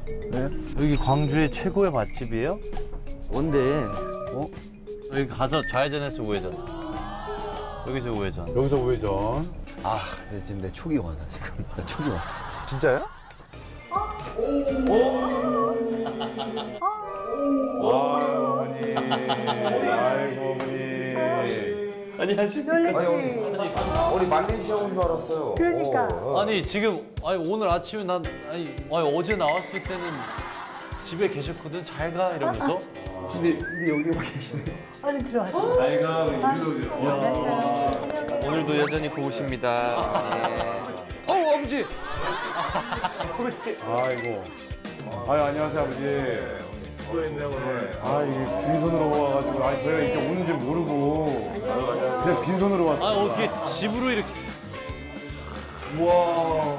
네? 여기 광주의 최고의 맛집이에요? 뭔데? 여기 가서 좌회전해서 우회전. 여기서 우회전. 여기서 우회전. 아, 지금 내 촉이 와, 나 지금. 나 촉이 왔어. 진짜야? 아유, 어머니. 아이고, 어머니. 안녕하십니까. 놀랬지? 우리 말레이시아 온 줄 알았어요. 그러니까. 아니 지금 오늘 아침에 난 어제 나왔을 때는 집에 계셨거든. 잘 가 이러면서. 근데 여기 와 계시네. 얼른 들어와서. 잘 가, 우리 알았어요. 안녕히. 오늘도 여전히 고우십니다. 아버지. 아이고. 아유, 안녕하세요, 아버지. 수고했네, 오늘. 아, 이게 빈손으로 와가지고. 아니, 저희가 이렇게 오는 줄 모르고. 그냥 빈손으로 아 왔어요. 어떻게 집으로 이렇게. 우와.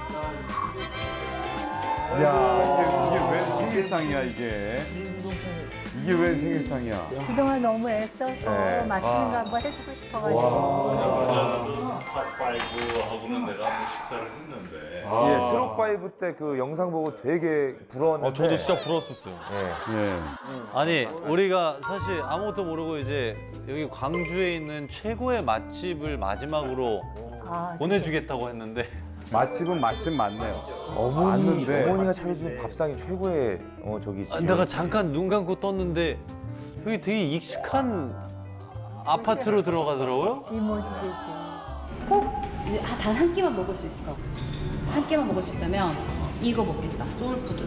야, 이게 왜 생일상이야, 이게? 이게 왜 생일상이야? 그동안 너무 애써서 네. 맛있는 거 한번 해주고 싶어가지고. 탑5하고는 내가 한번 식사를 했는데 예, 트롯 파이브 때 그 영상 보고 되게 부러웠는데. 저도 진짜 부러웠었어요. 예. 예. 아니 우리가 사실 아무것도 모르고 이제 여기 광주에 있는 최고의 맛집을 마지막으로 아, 보내주겠다고 했는데 맛집은 맛집 맞네요. 어머니, 맞는데. 어머니가 차려준 밥상이 최고의 저기. 내가 잠깐 눈 감고 떴는데 여기 되게 익숙한 아파트로 들어가더라고요. 이모집이지. 꼭 단 한 끼만 먹을 수 있어. 한 끼만 먹을 수 있다면 이거 먹겠다. 소울푸드.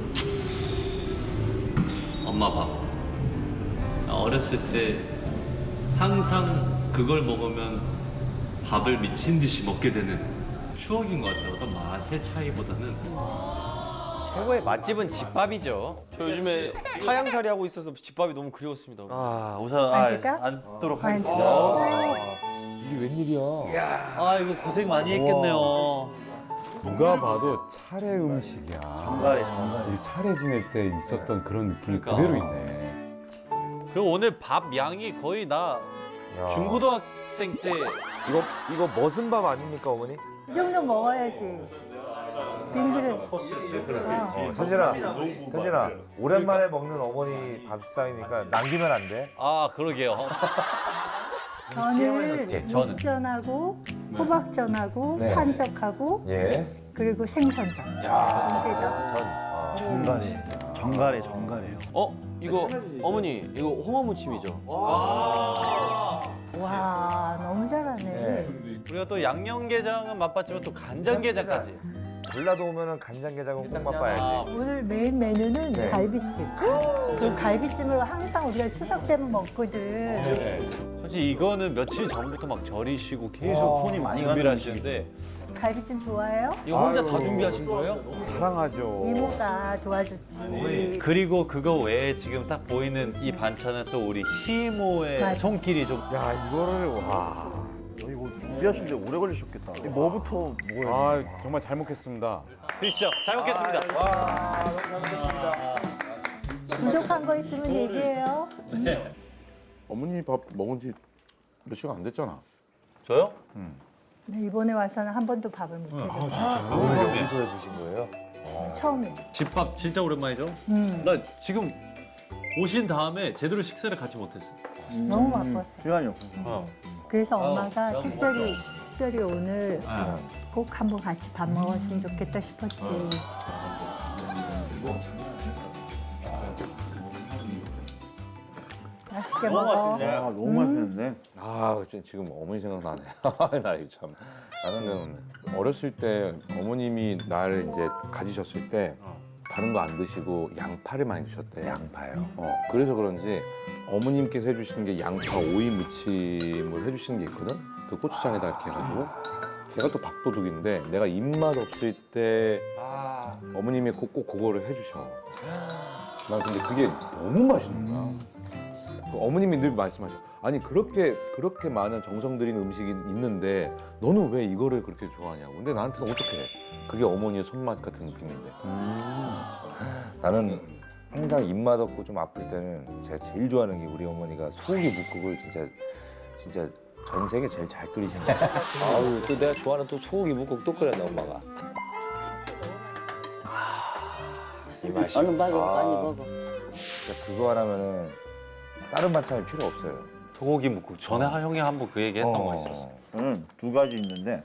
엄마 밥. 어렸을 때 항상 그걸 먹으면 밥을 미친 듯이 먹게 되는 추억인 것 같아요. 어떤 맛의 차이보다는. 최고의 맛집은 집밥이죠. 저 요즘에 하양살이 하고 있어서 집밥이 너무 그리웠습니다. 아 우선 앉을까? 앉도록 앉아. 이게 웬일이야? 아 이거 고생 많이 했겠네요. 누가 봐도 차례 음식이야. 정갈해, 정갈해. 이 차례 지낼 때 있었던 그런 느낌이 그러니까. 그대로 있네. 그리고 오늘 밥 양이 거의 나 야. 중고등학생 때 이거 머슴 밥 아닙니까, 어머니? 이 정도 먹어야지. 빈 그릇. 서진아, 오랜만에 먹는 어머니 밥상이니까 남기면 안 돼? 아 그러게요. 저는 저는. 육전하고 호박전하고 네. 산적하고 예. 그리고 생선전. 전. 정갈해, 정갈해요. 이거 어머니, 이거 홍어무침이죠? 와, 너무 잘하네. 네. 우리가 또 양념게장은 맛봤지만 또 간장게장까지. 전라도 오면은 간장게장은 꼭 맛봐야지. 오늘 메인 메뉴는 네. 갈비찜. 또 갈비찜으로 항상 우리가 추석 때면 먹거든. 사실 이거는 며칠 전부터 막 절이시고 계속 손이 많이 준비를 하시는데 갈비찜 좋아해요? 이거 혼자 다 준비하신 거예요? 사랑하죠. 이모가 도와줬지. 그리고 그거 외에 지금 딱 보이는 이 반찬은 또 우리 희모의 맞아. 손길이 좀. 야, 이거를 와. 이거 준비하시는데 오래 걸리셨겠다. 뭐부터 먹어야 아, 정말 잘 먹겠습니다. 드시죠. 잘 먹겠습니다. 부족한 거 있으면 얘기해요. 어머니 밥 먹은 지 몇 시간 안 됐잖아. 저요? 네, 이번에 와서는 한 번도 밥을 못 해줬어. 여기서 해주신 거예요? 처음이야. 집밥 진짜 오랜만이죠? 나 지금 오신 다음에 제대로 식사를 같이 못했어. 너무 바빴어. 시간이 없어. 그래서 엄마가 내가 특별히 오늘 꼭 한번 같이 밥 먹었으면 좋겠다 싶었지. 맛있게 먹어. 너무 맛있는데. 아, 지금 어머니 생각나네. 나 이거 참. 나는 어렸을 때 어머님이 나를 이제 가지셨을 때 다른 거 안 드시고 양파를 많이 드셨대. 양파요. 그래서 그런지 어머님께서 해주시는 게 양파 오이 무침을 해주시는 게 있거든. 그 고추장에다 이렇게 해가지고. 제가 또 밥도둑인데 내가 입맛 없을 때 어머님이 꼭 그거를 해주셔. 난 근데 그게 너무 맛있는 거야. 그 어머님이 늘 말씀하셔. 아니 그렇게 많은 정성 들인 음식이 있는데 너는 왜 이거를 그렇게 좋아하냐고. 근데 나한테는 어떻게 해? 그게 어머니의 손맛 같은 느낌인데. 나는 항상 입맛 없고 좀 아플 때는 제가 제일 좋아하는 게 우리 어머니가 소고기 묵국을 진짜 전 세계 제일 잘 끓이시는 거예요. 아유, 또 내가 좋아하는 또 소고기 묵국 또 끓였네, 엄마가. 이 맛이. 얼른 빨리 아. 빨리 먹어. 진짜 그거 하나면은 다른 반찬이 필요 없어요. 소고기 묵국 전에 형이 한번 그 얘기 했던 거 있었어. 저는 두 가지 있는데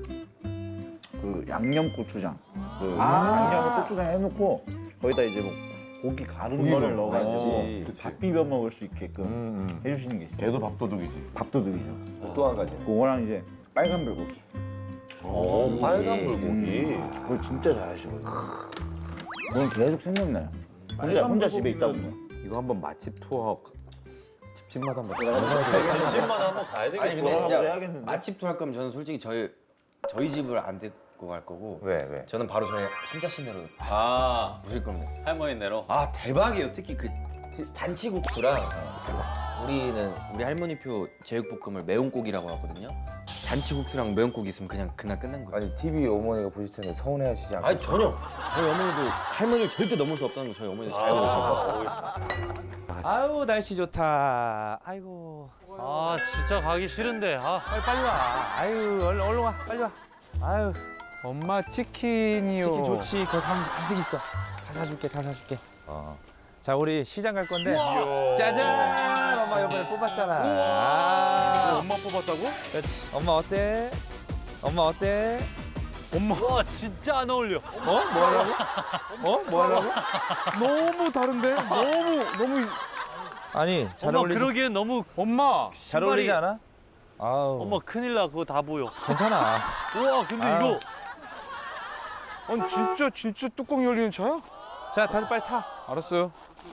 그 양념 고추장, 그 양념 고추장 해놓고 거기다 이제 뭐 고기 가른 거를 넣어가지고 그치. 밥 비벼 먹을 수 있게끔 해주시는 게 있어요. 걔도 밥도둑이지. 밥도둑이죠. 또 한 가지. 그거랑 이제 빨간 불고기. 오, 빨간 불고기. 그걸 진짜 잘하시거든요. 그건 계속 생각나요. 혼자 집에 있다 보면. 이거 한번 맛집 투어 집집마다 한번 집마다 한번 가야 아니 되겠어. 근데 진짜 해야겠는데? 맛집 투어 할 거면 저는 솔직히 저희 집을 안 데리고 갈 거고 왜? 저는 바로 저희 순자 씨네로 아, 모실 겁니다. 할머니네로. 아 대박이에요. 특히 그 잔치국수랑 우리 할머니표 제육볶음을 매운고기라고 하거든요. 잔치국수랑 매운고기 있으면 그냥 그날 끝난 거예요. 아니 TV 어머니가 보실 텐데 서운해하시지 않고. 아니 전혀. 저희 어머니도 할머니를 절대 넘을 수 없다는 거 저희 어머니 잘 알고 계시고. 아유 날씨 좋다. 아이고. 아, 진짜 가기 싫은데. 아, 빨리 와. 아유 얼른 와. 빨리 와. 아유. 엄마 치킨이요. 치킨 좋지. 거기 가면 잔뜩 있어. 다 사줄게. 다 사줄게. 자 우리 시장 갈 건데. 짜잔. 엄마 이번에 뽑았잖아. 아. 엄마 뽑았다고? 그렇지. 엄마 어때? 엄마 어때? 와, 진짜 안 어울려. 어? 뭐 하려고? 뭐 하려고? 너무 다른데? 너무 아니 잘 엄마 어울리지. 그러기엔 너무 엄마. 잘 어울리지 않아? 아우. 엄마 큰일 나. 그거 다 보여. 괜찮아. 우와, 근데 아. 이거 아니 진짜 뚜껑 열리는 차야? 자 다들 빨리 타. 알았어요.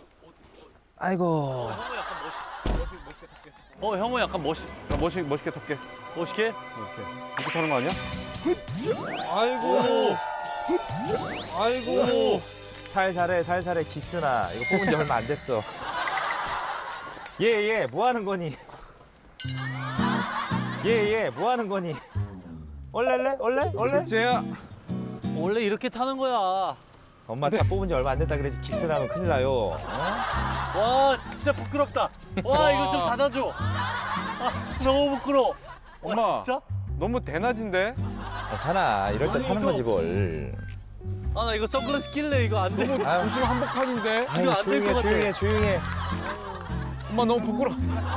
아이고. 형은 약간 나 멋있게 탈게. 멋있게? 이렇게 타는 거 아니야? 아이고. 아이고. 살살해 기스나. 이거 뽑은 지 얼마 안 됐어. 얘 뭐 하는 거니? 얘 뭐 하는 거니? 올래? 쟤야. 원래 이렇게 타는 거야. 엄마 차 뽑은 지 얼마 안 됐다 그래서 기스나면 큰일 나요. 와, 진짜 부끄럽다. 와, 이거 좀 닫아줘. 아, 너무 부끄러워. 와, 엄마. 진짜? 너무 대낮인데? 괜찮아. 이럴 때 아니, 타는 이거- 거지 뭘. 아, 나 이거 선글라스 낄래. 이거 안 돼. 아유, 지금 한복판인데? 이거 안될것 같아. 조용해. 엄마 너무 부끄러워.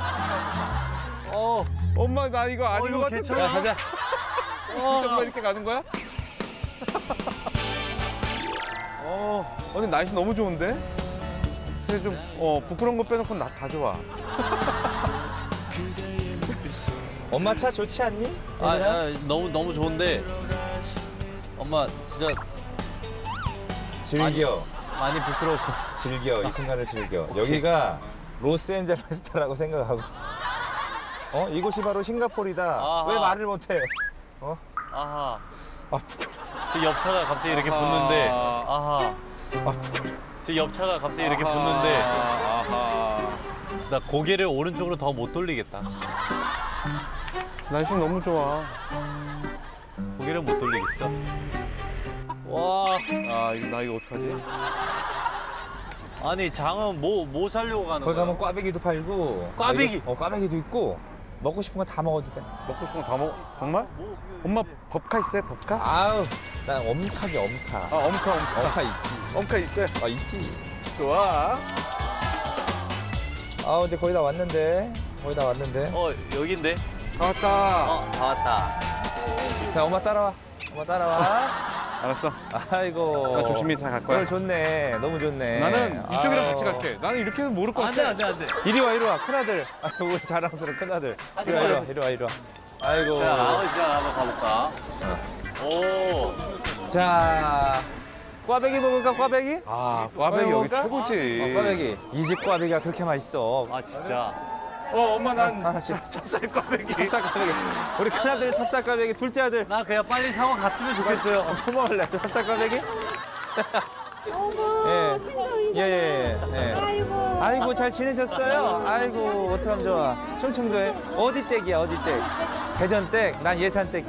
엄마 나 이거 아닌 이거 것 같은데? 괜찮아? 야 가자. 정말 이렇게 가는 거야? 오늘 날씨 너무 좋은데? 근데 좀 부끄러운 거 빼놓고 나 다 좋아. 엄마 차 좋지 않니? 너무 좋은데. 엄마 진짜 즐겨. 많이 부끄럽고. 즐겨. 이 순간을 즐겨. 여기가 로스앤젤레스타라고 생각하고. 이곳이 바로 싱가포르이다. 아하. 왜 말을 못해? 아하. 아 부끄러. 지금 옆차가 갑자기 이렇게 붙는데. 아하. 아 부끄러. 지금 옆차가 갑자기 이렇게 붙는데. 나 고개를 오른쪽으로 더 못 돌리겠다. 날씨 너무 좋아. 고개를 못 돌리겠어. 와. 나 이거 어떡하지? 아니, 장은 뭐 사려고 가는 거기 거야? 가면 꽈배기도 팔고. 꽈배기? 꽈배기도 있고. 먹고 싶은 거 다 먹어도 돼. 먹고 싶은 거 다 먹어. 정말? 엄마 법카 있어요? 법카? 아우, 난 엄카지 엄카. 엄카. 엄카 있지. 엄카 있어요? 있지. 좋아. 이제 거의 다 왔는데. 여긴데? 다 왔다. 다 왔다. 자, 엄마 따라와. 알았어. 아이고. 나 조심히 잘 갈 거야. 오늘 좋네. 너무 좋네. 나는 이쪽이랑 아유. 같이 갈게. 나는 이렇게 해서 모를 것 안 돼, 같아. 안 돼. 이리 와. 큰아들. 우리 자랑스러운 큰아들. 이리 와. 아이고. 자, 아버지랑 한번 가볼까? 오. 자, 꽈배기 먹을까, 꽈배기? 꽈배기 여기 먹을까? 최고지. 꽈배기. 이 집 꽈배기가 그렇게 맛있어. 아, 진짜. 엄마 난 하나씩. 찹쌀 꽈배기. 찹쌀 꽈배기. 우리 큰아들 찹쌀 꽈배기, 둘째 아들. 나 그냥 빨리 상황 갔으면 좋겠어요. 뭐 먹을래? 찹쌀 꽈배기? 어머, 예. 신동이. 예. 아이고, 잘 지내셨어요? 아이고, 어떡하면 좋아. 충청도에 어디 댁이야, 어디 댁? 대전댁? 난 예산댁.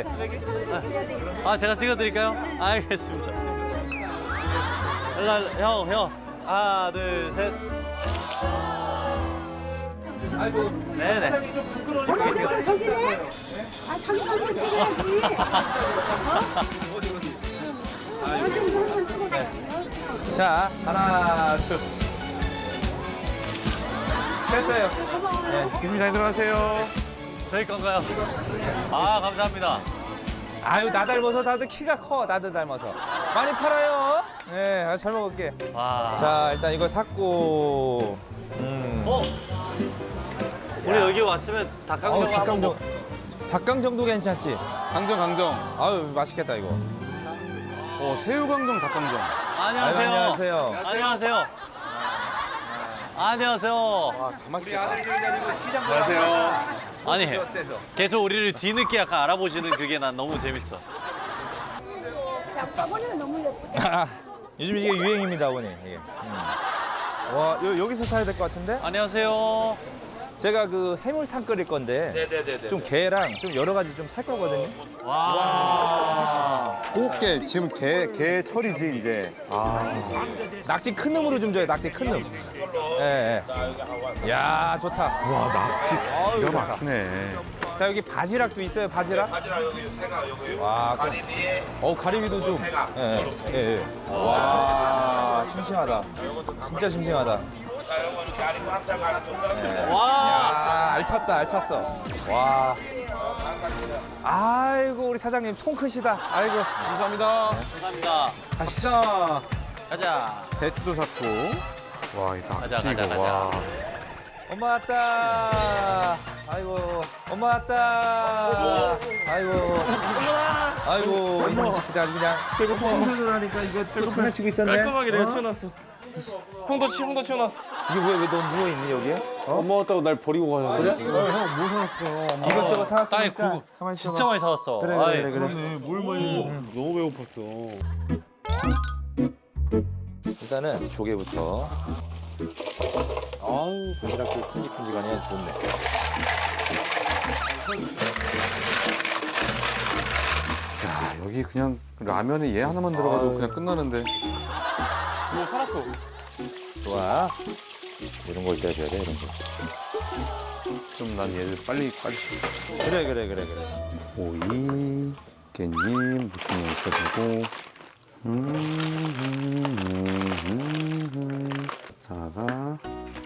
아, 제가 찍어드릴까요? 알겠습니다. 형. 하나, 둘, 셋. 아이고, 네네. 엄마 저기네? 자기 얼굴 찍어야지. 자, 하나, 둘. 됐어요. 교수님 잘 들어가세요. 저희 건가요? 아, 감사합니다. 아유, 나 닮아서 다들 키가 커. 나도 닮아서. 많이 팔아요. 네, 아, 잘 먹을게. 와. 자, 일단 이거 샀고. 어? 우리 여기 왔으면 닭강정 한번 닭강정. 닭강정도 괜찮지? 강정. 아유, 맛있겠다, 이거. 새우강정, 닭강정. 안녕하세요. 아유, 안녕하세요. 안녕하세요. 안녕하세요. 안녕하세요. 아니, 계속 우리를 뒤늦게 약간 알아보시는 그게 난 너무 재밌어. 요즘 이게 유행입니다, 어머니. 이게. 와, 여기서 사야 될 것 같은데? 안녕하세요. 제가 그 해물탕 끓일 건데 좀 게랑 좀 여러 가지 좀 살 거거든요. 와. 꽃게 지금 게 철이지 이제. 낙지 큰 놈으로 좀 줘요, 낙지 큰 놈. 예, 예. 야, 좋다. 와 낚시 기가 막히네. 자, 여기 바지락도 있어요, 바지락? 와, 가리비도 좀. 예, 예, 예. 와, 싱싱하다. 진짜 싱싱하다. 와. 야, 알찼다, 알찼어. 와. 아이고, 우리 사장님 통 크시다. 아이고. 감사합니다. 감사합니다. 가시다. 가자. 배추도 샀고. 와 이 가자, 낚시 가자, 이거 와. 엄마 왔다. 아이고, 엄마 왔다. 아이고. 아이고, 이놈 새끼들 아주 그냥. 청소를 하니까 이거 또 장난치고 있었네. 깔끔하게 내가 치워놨어. 형도 치워놨어. 이게 왜 너 누워있니, 여기에? 엄마 왔다고 날 버리고 가야 돼. 그래? 형뭐 사놨어? 이것저것 아이, 사왔으니까. 그거 가만히 있어봐. 진짜 많이 사왔어. 그래, 아이, 그래, 그래. 뭘 많이 너무 배고팠어. 일단은 조개부터. 아우, 바지락도 큼직큼직하니 아주 좋네. 야 여기 그냥 라면에 얘 하나만 들어가도 그냥 끝나는데. 뭐 살았어. 좋아. 이런 걸 떼줘야 돼, 이런 거. 좀 난 얘를 빨리. 그래. 오이, 깻잎, 무침에 있어주고. 다가.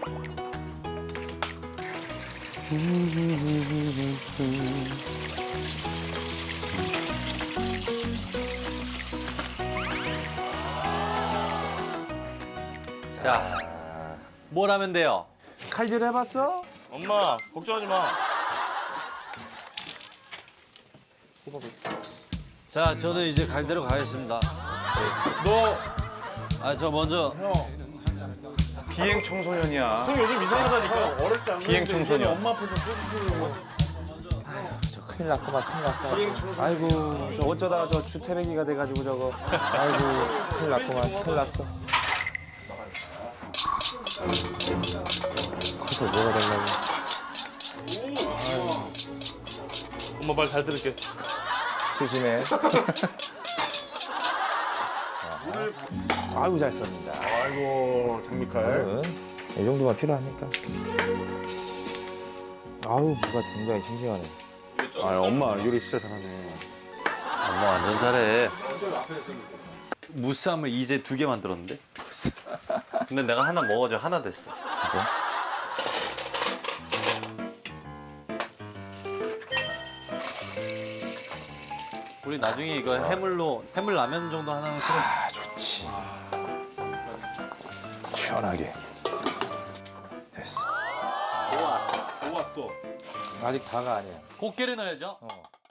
자, 뭘 하면 돼요? 칼질 해봤어? 엄마 걱정하지 마. 자, 저는 이제 갈 대로 가겠습니다. 너 아, 저 먼저. 비행 청소년이야. 형 요즘 이상하다니까. 어렸을 때 비행 청소년. 엄마 앞에서 저 큰일 났구만, 큰일 났어. 아이고, 저 어쩌다가 저 주태배기가 돼가지고 저거. 아이고, 큰일 났구만, 큰일 났어. 커서 뭐가 되려고. 엄마 말 잘 들을게. 조심해. 아이고, 잘 썼습니다. 아이고 장미칼. 이 정도만 필요하니까. 아우, 무가 굉장히 싱싱하네. 아 엄마 요리 진짜 잘하네. 엄마 완전 잘해. 무쌈을 이제 2개 만들었는데? 근데 내가 하나 먹어줘 하나 됐어. 진짜? 우리 나중에 이거 해물 라면 정도 하나는 끓여. 아, 좋지. 시원하게. 됐어. 좋았어. 아직 다가 아니야. 곱게를 넣어야죠. 어.